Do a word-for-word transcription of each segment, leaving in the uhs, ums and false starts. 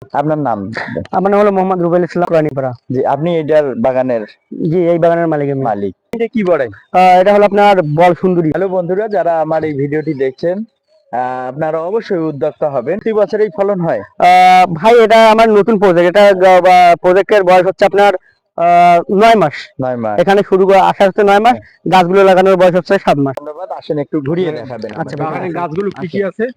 আপনার নাম? আমার নাম হলো মোহাম্মদ রুবেল ইসলাম, কোরআনীপাড়া। জি, আপনি এটার বাগানের? জি, এই বাগানের মালিক আমি। মালিক। এটা কি বড়? এটা হলো আপনার বল সুন্দরী। হ্যালো বন্ধুরা, যারা আমার এই ভিডিওটি দেখছেন, আপনারা অবশ্যই উদ্যোক্তা হবেন। প্রতি বছর এই ফলন হয়? ভাই এটা আমার নতুন প্রজেক্ট। এটা প্রজেক্টের বয়স হচ্ছে আপনার নয় মাস। নয় মাস এখানে শুরু আসা হচ্ছে নয় মাস, গাছগুলো লাগানোর বয়স হচ্ছে সাত মাস। ধন্যবাদ। আসেন একটু ঘুরিয়ে দেখাবেন। আচ্ছা, বাগানের গাছগুলো কি কি আছে?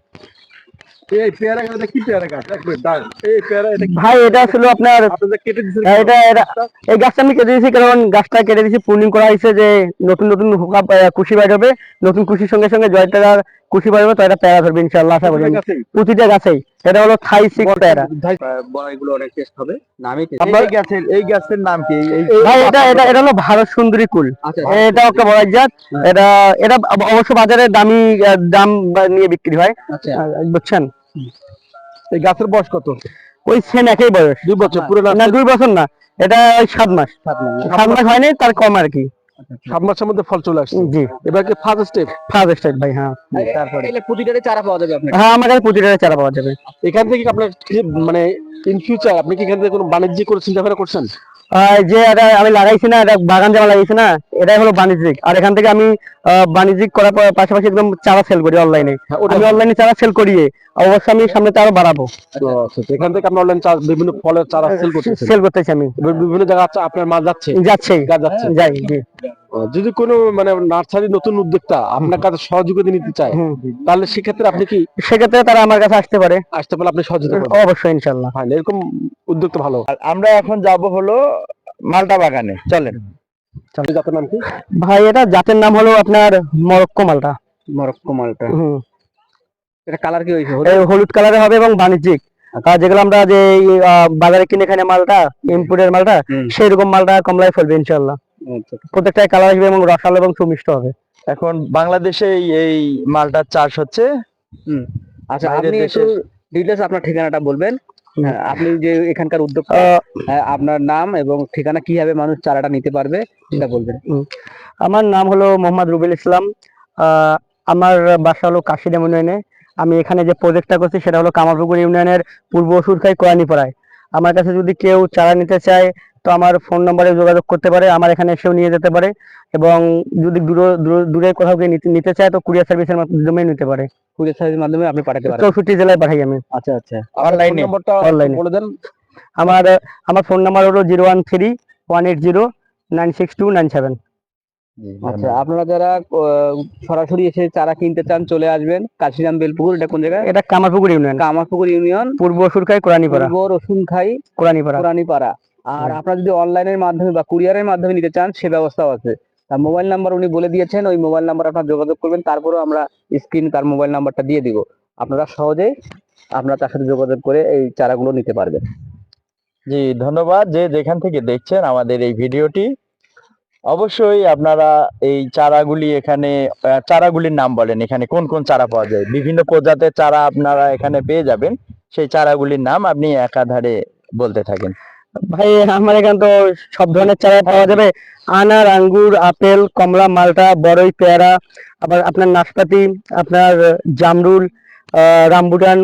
এই পেয়ারা গাছটা কি পেয়ারা গাছ? এই পেয়ারা এটা ভাই এটা ছিল আপনার কেটে দিয়েছেন? এটা এই গাছটা আমি কেটে দিয়েছি, কারণ গাছটা কেটে দিয়েছি, প্রুনিং করা হয়েছে যে নতুন নতুন কুশি বাইর হবে। নতুন কুশির সঙ্গে সঙ্গে জয়টার কুশি বাইরবে, তো এটা পেয়ারা ধরবে ইনশাআল্লাহ, আশা করি। প্রতিটা গাছেই এটা হলো থাই সিক্স পেয়ারা। বড়াইগুলো অনেক টেস্ট হবে। নামই এই গাছের এই গাছের নাম কি? ভাই এটা এটা এটা হলো ভারত সুন্দরী কুল। এটা একটা বড়াই জাত। এটা এটা অবশ্য বাজারে দামি দাম নিয়ে বিক্রি হয়, বুঝছেন। এই গাছের বয়স কত? ওই সেম একই বয়স। দুই বছর পুরো না, দুই বছর না, এটা ওই সাত মাস। সাত মাস হয়নি, তার কম আর কি। সাত মাসের মধ্যে ফল চলে আসছে। জি, এবার কি ফার্স্ট স্টেপ? ফার্স্ট স্টেপ ভাই। হ্যাঁ, তারপরে প্রতিটারে চারা পাওয়া যাবে আপনার? হ্যাঁ, আমার কাছে প্রতিটারে চারা পাওয়া যাবে। এখান থেকে আপনার মানে ইন ফিউচার আপনি কি এখান থেকে কোনো বাণিজ্যিক করে চিন্তা ভাবনা করছেন? যে এটা আমি লাগাইছি না, এটা বাগান জামা লাগাইছি না, এটাই হলো বাণিজ্যিক। আর এখান থেকে আমি বাণিজ্যিক করার পাশাপাশি একদম চারা সেল করি অনলাইনে। আমি অনলাইনে চারা সেল করিয়ে অবশ্যই আমি সামনে আরো বাড়াবো। এখান থেকে আপনি অনলাইন বিভিন্ন ফলের চারা সেল করতেছেন? সেল করতেছি আমি। বিভিন্ন জায়গায় আপনার মাল যাচ্ছে? যাচ্ছে যাচ্ছে যাই। জি, যদি কোনো মানে নার্সারি নতুন উদ্যোক্তা আপনার কাছে সহযোগিতা নিতে চায়, তাহলে সেক্ষেত্রে আপনি কি? সেক্ষেত্রে তারা আমার কাছে আসতে পারে। আসতে পারলে আপনি সহযোগিতা করবেন? অবশ্যই, ইনশাআল্লাহ। হ্যাঁ, এরকম উদ্যোক্তা ভালো। আমরা এখন যাব হলো মালটা বাগানে, চলেন। জাতের নাম কি ভাই? এটা জাতের নাম হলো আপনার মরক্কো মালটা। মরক্কো মালটা। হুম, এটা কালার কি হইছে? হলুদ কালারে হবে এবং বাণিজ্যিক। যেগুলো আমরা যে বাজারে কিনে খাই মালটা, ইম্পোর্টের মালটা, সেই রকম মালটা কমলায় ফলবে ইনশাআল্লাহ। প্রত্যেকটা কালার আসবে এবং রসালো এবং সুমিষ্ট হবে। এখন বাংলাদেশে এই মালটার চাষ হচ্ছে। হুম, আচ্ছা, আপনি একটু ডিটেইলস আপনার ঠিকানাটা বলবেন। আপনি যে এখানকার উদ্যোক্তা, আপনার নাম এবং ঠিকানা, কিভাবে মানুষ চারাটা নিতে পারবে সেটা বলবেন। আমার নাম হলো মোহাম্মদ রুবেল ইসলাম। আমার বাসা হলো কাশিরাম ইউনিয়নে। আমি এখানে যে প্রজেক্টটা করছি সেটা হলো কামারপুকুর ইউনিয়নের পূর্ব সুরখাই কোরআনীপাড়ায়। আমার কাছে যদি কেউ চারা নিতে চায় তো আমার ফোন নম্বরে যোগাযোগ করতে পারে, আমার এখানে এসেও নিয়ে যেতে পারে। এবং যদি দূরে দূরে কোথাও গিয়ে নিতে চায় তো কুরিয়ার সার্ভিসের মাধ্যমে নিতে পারে। কুরিয়ার সার্ভিসের মাধ্যমে আপনি পাঠাতে পারেন? চৌষট্টি জেলায় পাঠাই আমি। আচ্ছা আচ্ছা, অনলাইনে অনলাইনে বলে দেন। আমার আমার ফোন নাম্বার হলো zero one three one eight zero nine six two nine seven. আচ্ছা, আপনারা যারা সরাসরি এসে চারা কিনতে চান চলে আসবেন কাশিরাম বেলপুকুর। এটা কোন জায়গায়? এটা কামারপুকুর ইউনিয়ন। কামারপুকুর ইউনিয়ন, পূর্ব রসুনখাই কোরআনীপাড়া। পূর্ব রসুনখাই কোরআনীপাড়া কোরআনীপাড়া। আর আপনারা যদি অনলাইনের মাধ্যমে বা কুরিয়ারের মাধ্যমে নিতে চান সে ব্যবস্থাও আছে। তার মোবাইল নাম্বার উনি বলে দিয়েছেন, ওই মোবাইল নাম্বার আপনারা যোগাযোগ করবেন। তারপরেও আমরা স্ক্রিন তার মোবাইল নাম্বারটা দিয়ে দিব, আপনারা সহজে আপনারা তার সাথে যোগাযোগ করে এই চারাগুলো নিতে পারবেন। জি, ধন্যবাদ। যে যেখান থেকে দেখছেন আমাদের এই ভিডিওটি, অবশ্যই আপনারা এই চারাগুলি এখানে চারাগুলির নাম বলেন, এখানে কোন কোন চারা পাওয়া যায়। বিভিন্ন প্রজাতির চারা আপনারা এখানে পেয়ে যাবেন। সেই চারাগুলির নাম আপনি একাধারে বলতে থাকেন। ভাই আমার এখানে তো সব ধরনের চারা পাওয়া যাবে। আনার, আঙ্গুর, আপেল, কমলা, মালটা, বড়ই, পেয়ারা, আবার আপনার নাশপাতি, আপনার জামরুল, রামবুটান,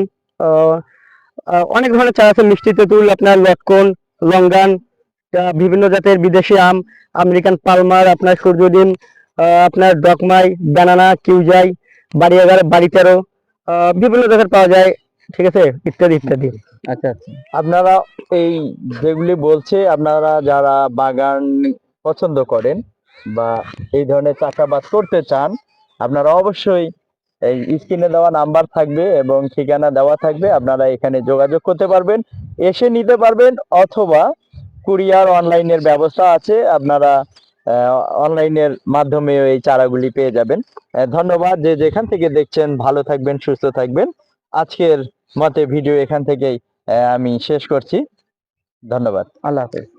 অনেক ধরনের চারা আছে। মিষ্টি তেঁতুল, আপনার লটকন, লঙ্গান, বিভিন্ন জাতের বিদেশি আম, আমেরিকান পালমার, আপনার সূর্যদিন, আপনার ডকমাই, ব্যানানা, কিউজাই, বাড়ি এগারো, বাড়ি তেরো, বিভিন্ন জাতের পাওয়া যায়। ঠিক আছে, ইত্যাদি ইত্যাদি। আচ্ছা আচ্ছা, আপনারা এই যেগুলি বলছে, আপনারা যারা বাগান পছন্দ করেন বা এই ধরনের চাষাবাদ করতে চান, আপনারা অবশ্যই এই স্ক্রিনে দেওয়া নাম্বার থাকবে এবং ঠিকানা দেওয়া থাকবে, আপনারা এখানে যোগাযোগ করতে পারবেন, এসে নিতে পারবেন, অথবা কুরিয়ার অনলাইনের ব্যবস্থা আছে, আপনারা অনলাইনের মাধ্যমে এই চারাগুলি পেয়ে যাবেন। ধন্যবাদ। যে যেখান থেকে দেখছেন ভালো থাকবেন, সুস্থ থাকবেন। আজকের মতে ভিডিও এখান থেকেই আমি শেষ করছি। ধন্যবাদ। আল্লাহ হাফেজ।